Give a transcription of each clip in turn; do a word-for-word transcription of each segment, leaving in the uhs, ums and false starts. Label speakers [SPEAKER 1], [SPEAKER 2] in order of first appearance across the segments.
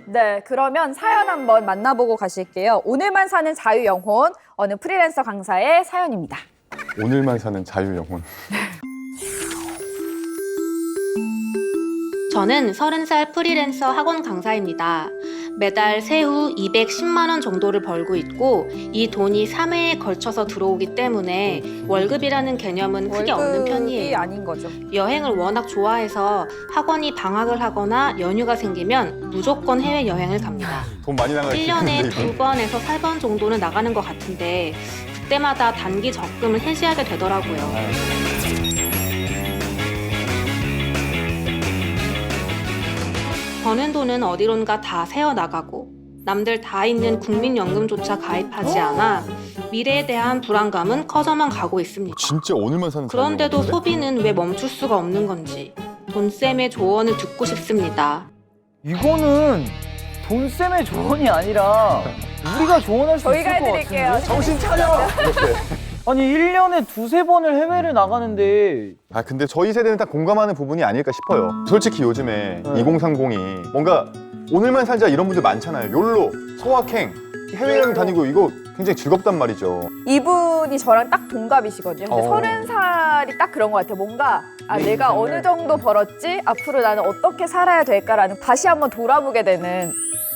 [SPEAKER 1] 네, 그러면 사연 한번 만나보고 가실게요. 오늘만 사는 자유영혼, 어느 프리랜서 강사의 사연입니다.
[SPEAKER 2] 오늘만 사는 자유영혼.
[SPEAKER 3] 저는 서른 살 프리랜서 학원 강사입니다. 매달 세후 이백십만 원 정도를 벌고 있고 이 돈이 삼 회에 걸쳐서 들어오기 때문에 월급이라는 개념은 크게 없는
[SPEAKER 1] 월급이
[SPEAKER 3] 편이에요.
[SPEAKER 1] 아닌 거죠.
[SPEAKER 3] 여행을 워낙 좋아해서 학원이 방학을 하거나 연휴가 생기면 무조건 해외여행을 갑니다.
[SPEAKER 2] 돈 많이 나갈
[SPEAKER 3] 일 년에
[SPEAKER 2] 텐데,
[SPEAKER 3] 두
[SPEAKER 2] 이분.
[SPEAKER 3] 번에서 세 번 정도는 나가는 것 같은데 그때마다 단기 적금을 해지하게 되더라고요. 버는 돈은 어디론가 다 새어나가고 남들 다 있는 국민연금조차 가입하지 않아 미래에 대한 불안감은 커져만 가고 있습니다.
[SPEAKER 2] 진짜 오늘만 사는
[SPEAKER 3] 그런데도
[SPEAKER 2] 자유영혼인데?
[SPEAKER 3] 소비는 왜 멈출 수가 없는 건지 돈쌤의 조언을 듣고 싶습니다.
[SPEAKER 4] 이거는 돈쌤의 조언이 아니라 우리가 조언할 수
[SPEAKER 1] 저희가
[SPEAKER 4] 있을 것
[SPEAKER 1] 해드릴게요.
[SPEAKER 4] 같은데?
[SPEAKER 2] 정신 차려! 이렇게.
[SPEAKER 4] 아니 일 년에 두세 번을 해외를 나가는데
[SPEAKER 2] 아 근데 저희 세대는 딱 공감하는 부분이 아닐까 싶어요. 솔직히 요즘에
[SPEAKER 4] 네.
[SPEAKER 2] 이공삼공이 뭔가 오늘만 살자 이런 분들 많잖아요. 욜로, 소확행, 해외여행 다니고 이거 굉장히 즐겁단 말이죠.
[SPEAKER 1] 이분이 저랑 딱 동갑이시거든요. 근데
[SPEAKER 2] 어.
[SPEAKER 1] 서른 살이 딱 그런 것 같아요. 뭔가 아, 내가 어느 정도 벌었지? 앞으로 나는 어떻게 살아야 될까라는 다시 한번 돌아보게 되는.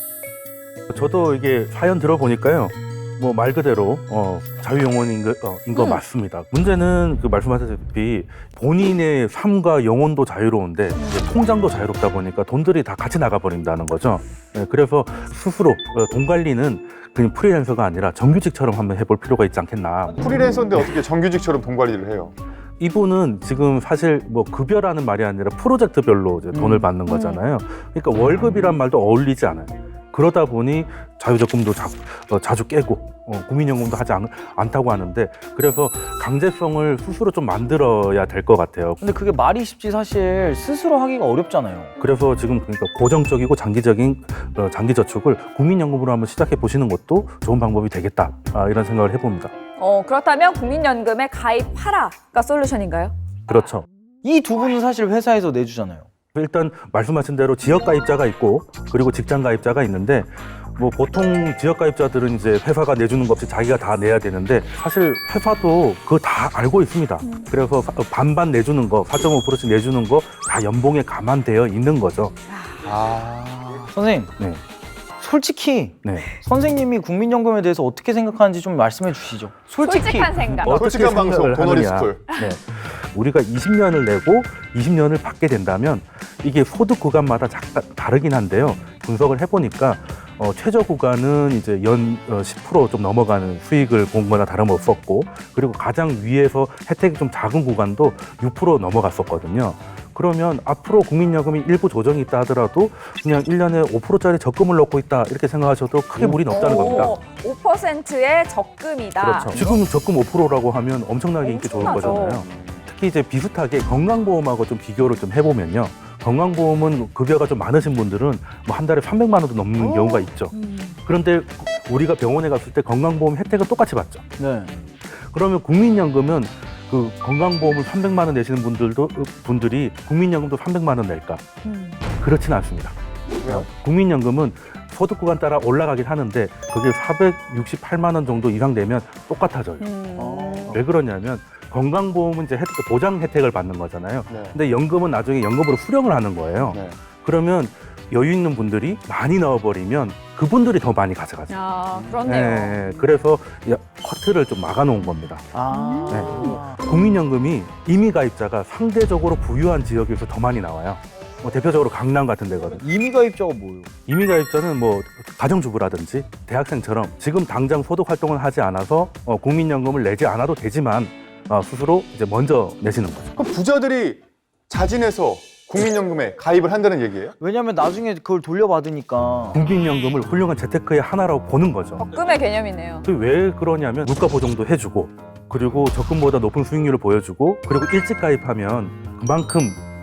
[SPEAKER 5] 저도 이게 사연 들어보니까요. 뭐 말 그대로 어, 자유영혼인 거, 어, 인거
[SPEAKER 1] 음.
[SPEAKER 5] 맞습니다. 문제는 그 말씀하셨다시피 본인의 삶과 영혼도 자유로운데 이제 통장도 자유롭다 보니까 돈들이 다 같이 나가버린다는 거죠. 네, 그래서 스스로 어, 돈 관리는 그냥 프리랜서가 아니라 정규직처럼 한번 해볼 필요가 있지 않겠나.
[SPEAKER 2] 프리랜서인데 어떻게 정규직처럼 돈 관리를 해요?
[SPEAKER 5] 이분은 지금 사실 뭐 급여라는 말이 아니라 프로젝트별로 이제 돈을
[SPEAKER 4] 음.
[SPEAKER 5] 받는 거잖아요. 그러니까 월급이란 말도 어울리지 않아요. 그러다 보니 자유적금도 자, 어, 자주 깨고 어, 국민연금도 하지 않, 않다고 하는데 그래서 강제성을 스스로 좀 만들어야 될 것 같아요.
[SPEAKER 4] 근데 그게 말이 쉽지 사실 스스로 하기가 어렵잖아요.
[SPEAKER 5] 그래서 지금 그러니까 고정적이고 장기적인 어, 장기 저축을 국민연금으로 한번 시작해 보시는 것도 좋은 방법이 되겠다 아, 이런 생각을 해봅니다.
[SPEAKER 1] 어, 그렇다면 국민연금에 가입하라가 솔루션인가요?
[SPEAKER 5] 그렇죠.
[SPEAKER 4] 이 두 분은 사실 회사에서 내주잖아요.
[SPEAKER 5] 일단 말씀하신 대로 지역 가입자가 있고 그리고 직장 가입자가 있는데 뭐 보통 지역 가입자들은 이제 회사가 내주는 것 없이 자기가 다 내야 되는데 사실 회사도 그거 다 알고 있습니다. 그래서 반반 내주는 거, 사 점 오 퍼센트씩 내주는 거 다 연봉에 감안되어 있는 거죠.
[SPEAKER 2] 아...
[SPEAKER 4] 선생님,
[SPEAKER 5] 네.
[SPEAKER 4] 솔직히
[SPEAKER 5] 네.
[SPEAKER 4] 선생님이 국민연금에 대해서 어떻게 생각하는지 좀 말씀해 주시죠. 솔직히.
[SPEAKER 1] 솔직한 생각.
[SPEAKER 2] 어, 솔직한
[SPEAKER 5] 어떻게
[SPEAKER 2] 방송,
[SPEAKER 5] 생각을
[SPEAKER 2] 도너리
[SPEAKER 5] 하느냐.
[SPEAKER 2] 스쿨.
[SPEAKER 5] 네. 우리가 이십 년을 내고 이십 년을 받게 된다면 이게 소득 구간마다 작다, 다르긴 한데요. 분석을 해보니까 어, 최저 구간은 이제 연 어, 십 퍼센트 좀 넘어가는 수익을 본 거나 다름없었고 그리고 가장 위에서 혜택이 좀 작은 구간도 육 퍼센트 넘어갔었거든요. 그러면 앞으로 국민연금이 일부 조정이 있다 하더라도 그냥 일 년에 오 퍼센트짜리 적금을 넣고 있다 이렇게 생각하셔도 크게 무리는 없다는 겁니다.
[SPEAKER 1] 오 퍼센트의 적금이다.
[SPEAKER 5] 그렇죠. 지금 적금 오 퍼센트라고 하면 엄청나게 인기 좋은
[SPEAKER 1] 엄청나죠.
[SPEAKER 5] 거잖아요. 특히 이제 비슷하게 건강보험하고 좀 비교를 좀 해보면요. 건강보험은 급여가 좀 많으신 분들은 뭐 한 달에 삼백만 원도 넘는
[SPEAKER 1] 오.
[SPEAKER 5] 경우가 있죠.
[SPEAKER 1] 음.
[SPEAKER 5] 그런데 우리가 병원에 갔을 때 건강보험 혜택은 똑같이 받죠.
[SPEAKER 4] 네.
[SPEAKER 5] 그러면 국민연금은 그 건강보험을 삼백만 원 내시는 분들도 분들이 국민연금도 삼백만 원 낼까?
[SPEAKER 1] 음.
[SPEAKER 5] 그렇지는 않습니다.
[SPEAKER 2] 왜요?
[SPEAKER 5] 국민연금은 소득 구간 따라 올라가긴 하는데 그게 사백육십팔만 원 정도 이상 되면 똑같아져요.
[SPEAKER 1] 음.
[SPEAKER 4] 어.
[SPEAKER 5] 왜 그러냐면 건강보험은 이제 혜택, 보장 혜택을 받는 거잖아요.
[SPEAKER 2] 네.
[SPEAKER 5] 근데 연금은 나중에 연금으로 수령을 하는 거예요.
[SPEAKER 2] 네.
[SPEAKER 5] 그러면 여유 있는 분들이 많이 넣어버리면 그분들이 더 많이 가져가죠.
[SPEAKER 1] 아, 그렇네요.
[SPEAKER 5] 네, 그래서 야, 커트를 좀 막아놓은 겁니다.
[SPEAKER 4] 아.
[SPEAKER 5] 국민연금이 임의 가입자가 상대적으로 부유한 지역에서 더 많이 나와요. 뭐 대표적으로 강남 같은 데거든요.
[SPEAKER 4] 임의 가입자가 뭐예요?
[SPEAKER 5] 임의 가입자는 뭐 가정주부라든지 대학생처럼 지금 당장 소득 활동을 하지 않아서 어, 국민연금을 내지 않아도 되지만 어, 스스로 이제 먼저 내시는 거죠.
[SPEAKER 2] 그럼 부자들이 자진해서 국민연금에 가입을 한다는 얘기예요?
[SPEAKER 4] 왜냐면 나중에 그걸 돌려받으니까.
[SPEAKER 5] 국민연금을 훌륭한 재테크의 하나라고 보는 거죠.
[SPEAKER 1] 적금의 개념이네요.
[SPEAKER 5] 그게 왜 그러냐면 물가 보정도 해주고 그리고 적금보다 높은 수익률을 보여주고 그리고 일찍 가입하면 그만큼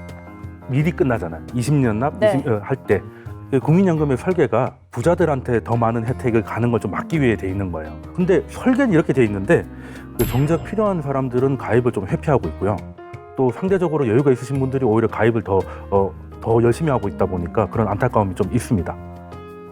[SPEAKER 5] 미리 끝나잖아요. 이십 년 납
[SPEAKER 1] 네.
[SPEAKER 5] 이십, 어, 할 때. 국민연금의 설계가 부자들한테 더 많은 혜택을 가는 걸 좀 막기 위해 돼 있는 거예요. 근데 설계는 이렇게 돼 있는데 그 정작 필요한 사람들은 가입을 좀 회피하고 있고요. 또 상대적으로 여유가 있으신 분들이 오히려 가입을 더, 어, 더 열심히 하고 있다 보니까 그런 안타까움이 좀 있습니다.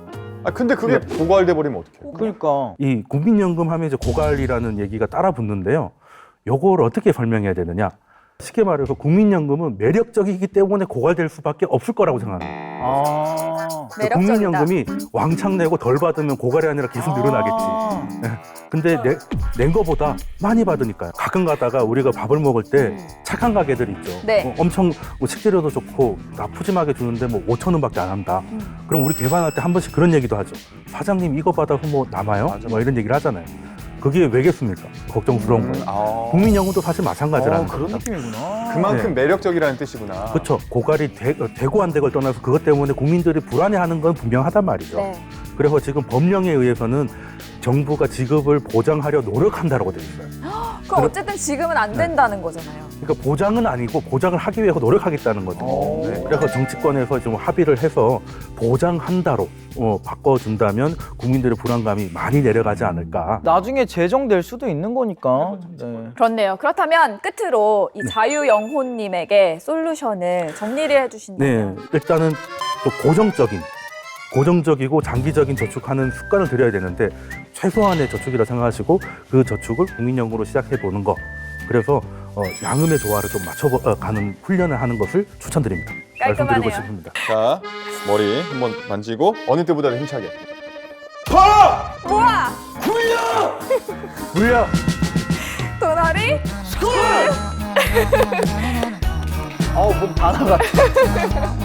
[SPEAKER 2] 아 근데 그게 고갈돼 버리면 어떡해?
[SPEAKER 4] 그러니까.
[SPEAKER 5] 이 국민연금 하면 이제 고갈이라는 얘기가 따라 붙는데요. 요걸 어떻게 설명해야 되느냐? 쉽게 말해서 국민연금은 매력적이기 때문에 고갈될 수밖에 없을 거라고 생각합니다.
[SPEAKER 4] 아.
[SPEAKER 1] 매력적이다.
[SPEAKER 5] 국민연금이 왕창 내고 덜 받으면 고갈이 아니라 계속 늘어나겠지.
[SPEAKER 4] 아.
[SPEAKER 5] 근데 내, 낸 거보다 많이 받으니까요. 가끔 가다가 우리가 밥을 먹을 때 착한 가게들 있죠.
[SPEAKER 1] 네.
[SPEAKER 5] 뭐 엄청 뭐 식재료도 좋고 나 푸짐하게 주는데 뭐 오천 원밖에 안 한다. 그럼 우리 계산할 때 한 번씩 그런 얘기도 하죠. 사장님 이거 받아서 뭐 남아요?
[SPEAKER 2] 맞아,
[SPEAKER 5] 뭐 이런 얘기를 하잖아요. 그게 왜겠습니까? 걱정스러운
[SPEAKER 2] 음,
[SPEAKER 5] 거예요.
[SPEAKER 2] 아.
[SPEAKER 5] 국민연금도 사실 마찬가지라는
[SPEAKER 4] 어, 그런
[SPEAKER 5] 겁니다.
[SPEAKER 4] 느낌이구나.
[SPEAKER 2] 그만큼
[SPEAKER 5] 네.
[SPEAKER 2] 매력적이라는 뜻이구나.
[SPEAKER 5] 그렇죠. 고갈이 되, 되고 안 되고를 떠나서 그것 때문에 국민들이 불안해하는 건 분명하단 말이죠.
[SPEAKER 1] 네.
[SPEAKER 5] 그래서 지금 법령에 의해서는 정부가 지급을 보장하려 노력한다라고 되어 있어요.
[SPEAKER 1] 그럼 어쨌든 지금은 안 된다는 거잖아요.
[SPEAKER 5] 그러니까 보장은 아니고 보장을 하기 위해서 노력하겠다는 거죠.
[SPEAKER 4] 오.
[SPEAKER 5] 네. 그래서 정치권에서 좀 합의를 해서 보장한다로 어, 바꿔준다면 국민들의 불안감이 많이 내려가지 않을까.
[SPEAKER 4] 나중에 제정될 수도 있는 거니까. 네.
[SPEAKER 1] 그렇네요. 그렇다면 끝으로 이 자유영호님에게 솔루션을 정리를
[SPEAKER 5] 네,
[SPEAKER 1] 해주신다면.
[SPEAKER 5] 일단은 또 고정적인, 고정적이고 장기적인 저축하는 습관을 들여야 되는데 최소한의 저축이라 생각하시고 그 저축을 국민연금으로 시작해 보는 거. 그래서 어, 양음의 조화를 좀 맞춰가는 훈련을 하는 것을 추천드립니다. 말씀드리고
[SPEAKER 1] 깔끔하네요.
[SPEAKER 5] 싶습니다.
[SPEAKER 2] 자 머리 한번 만지고 어느 때보다 힘차게.
[SPEAKER 1] 모아!
[SPEAKER 5] 물려!
[SPEAKER 1] 도나리!
[SPEAKER 4] 아우, 몸 다 나갔다.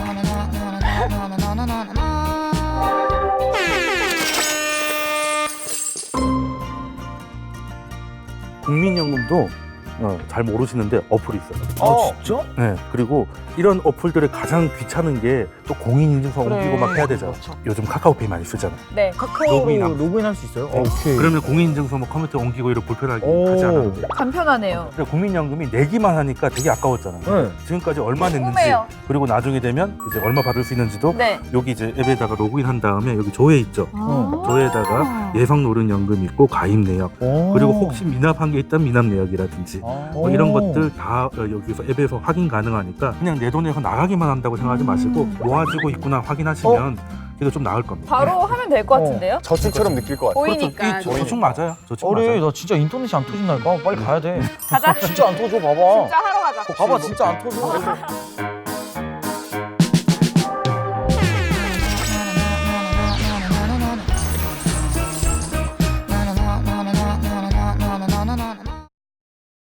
[SPEAKER 5] 국민연금도 어, 잘 모르시는데 어플이 있어요.
[SPEAKER 2] 어.
[SPEAKER 4] 진짜?
[SPEAKER 5] 네, 그리고 이런 어플들이 가장 귀찮은 게 또 공인인증서
[SPEAKER 4] 그래.
[SPEAKER 5] 옮기고 막 해야 되잖아.
[SPEAKER 4] 맞아.
[SPEAKER 5] 요즘 카카오페이 많이 쓰잖아.
[SPEAKER 1] 네.
[SPEAKER 4] 카카오로
[SPEAKER 5] 로그인하면.
[SPEAKER 4] 로그인할 수 있어요? 어, 오케이.
[SPEAKER 5] 그러면 공인인증서 뭐 컴퓨터 옮기고 이런 불편하게
[SPEAKER 4] 오.
[SPEAKER 5] 하지 않아요.
[SPEAKER 1] 간편하네요.
[SPEAKER 5] 근데 국민연금이 내기만 하니까 되게 아까웠잖아요.
[SPEAKER 4] 네.
[SPEAKER 5] 지금까지 얼마 냈는지
[SPEAKER 1] 궁금해요.
[SPEAKER 5] 그리고 나중에 되면 이제 얼마 받을 수 있는지도
[SPEAKER 1] 네.
[SPEAKER 5] 여기 이제 앱에다가 로그인한 다음에 여기 조회 있죠.
[SPEAKER 4] 어.
[SPEAKER 5] 조회에다가 예상 노령연금 있고 가입 내역
[SPEAKER 4] 오.
[SPEAKER 5] 그리고 혹시 미납한 게 있다면 미납 내역이라든지
[SPEAKER 4] 아.
[SPEAKER 5] 뭐 이런 것들 다 어, 여기서 앱에서 확인 가능하니까 그냥 내 돈에서 나가기만 한다고 생각하지 마시고 모아지고 있구나 확인하시면 그래도 좀 나을 겁니다.
[SPEAKER 1] 바로 하면 될 것 같은데요?
[SPEAKER 2] 저축처럼 느낄 것 같아.
[SPEAKER 1] 보이니까.
[SPEAKER 5] 그렇죠. 이 저축 맞아요. 저축
[SPEAKER 4] 어래,
[SPEAKER 5] 맞아요.
[SPEAKER 4] 나 진짜 인터넷이 안 터진다니까. 빨리 가야 돼.
[SPEAKER 1] 가자.
[SPEAKER 4] 진짜 안 터져, 봐봐.
[SPEAKER 1] 진짜 하러 가자.
[SPEAKER 4] 봐봐, 진짜 안 터져.